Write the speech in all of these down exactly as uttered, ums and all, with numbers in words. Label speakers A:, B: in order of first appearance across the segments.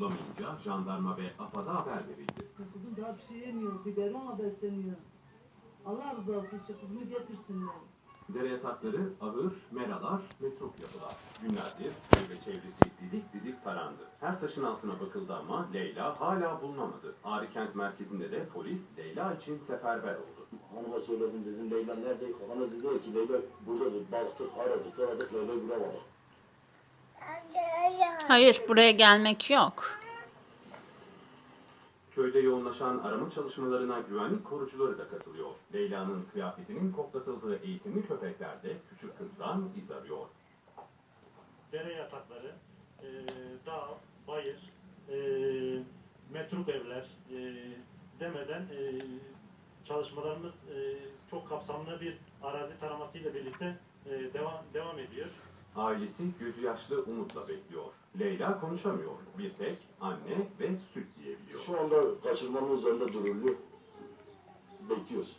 A: bulamayınca jandarma ve AFAD'a haber verildi.
B: Kızım daha bir şey yemiyor, biberonla besleniyor. Allah rızası için kızımı getirsinler.
A: Dere yatakları, ahır, meralar, metruk yapılar. Günlerdir köy ve çevresi didik didik tarandı. Her taşın altına bakıldı ama Leyla hala bulunamadı. Ağrı kent merkezinde de polis Leyla için seferber oldu.
C: Hanıma söyledim, dedim Leyla nerede? Hanım dedi ki Leyla buradadır. Baktık, aradık, aradık, Leyla'yı bulamadık.
D: Hayır, buraya gelmek yok.
A: Köyde yoğunlaşan arama çalışmalarına güvenlik korucuları da katılıyor. Leyla'nın kıyafetinin koklatıldığı eğitimli köpekler de küçük kızdan iz arıyor.
E: Dere yatakları, e, dağ, bayır, e, metruk evler e, demeden e, çalışmalarımız e, çok kapsamlı bir arazi taraması ile birlikte e, devam devam ediyor.
A: Ailesi gözü yaşlı umutla bekliyor. Leyla konuşamıyor. Bir tek anne ve süt diyebiliyor.
C: Şu anda kaçırmanın üzerinde duruluyor. Bekliyoruz.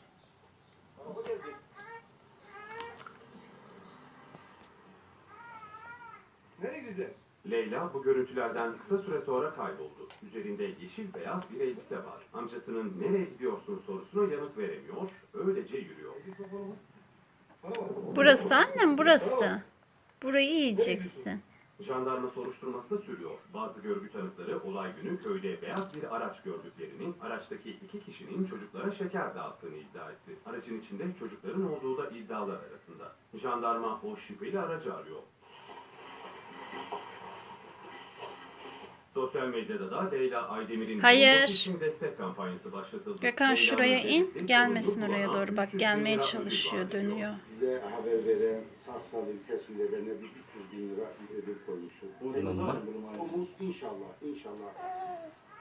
F: Nereye gideceksin?
A: Leyla bu görüntülerden kısa süre sonra kayboldu. Üzerinde yeşil beyaz bir elbise var. Amcasının nereye gidiyorsun sorusuna yanıt veremiyor. Öylece yürüyor.
D: Burası annem, burası. Burayı yiyeceksin.
A: Jandarma soruşturması da sürüyor. Bazı görgü tanıkları olay günü köyde beyaz bir araç gördüklerini, araçtaki iki kişinin çocuklara şeker dağıttığını iddia etti. Aracın içinde çocukların olduğu da iddialar arasında. Jandarma o şüpheli aracı arıyor. Sosyal medyada da Leyla Aydemir'in
D: Hayır.
A: bulunması için destek kampanyası başlatıldı.
D: Gökhan
A: Leyla'nın
D: şuraya in,
A: dedesi,
D: gelmesin
A: torunu
D: oraya
A: bulana
D: doğru. Bak
A: üç yüz bin
D: gelmeye
A: lira ödül
D: çalışıyor,
A: vaat ediyor.
D: dönüyor.
G: Bize haber veren Saksalı kesimlerine bir üç yüz bin lira ödül koymuşuz.
C: Umut var mı?
G: Umut inşallah, inşallah.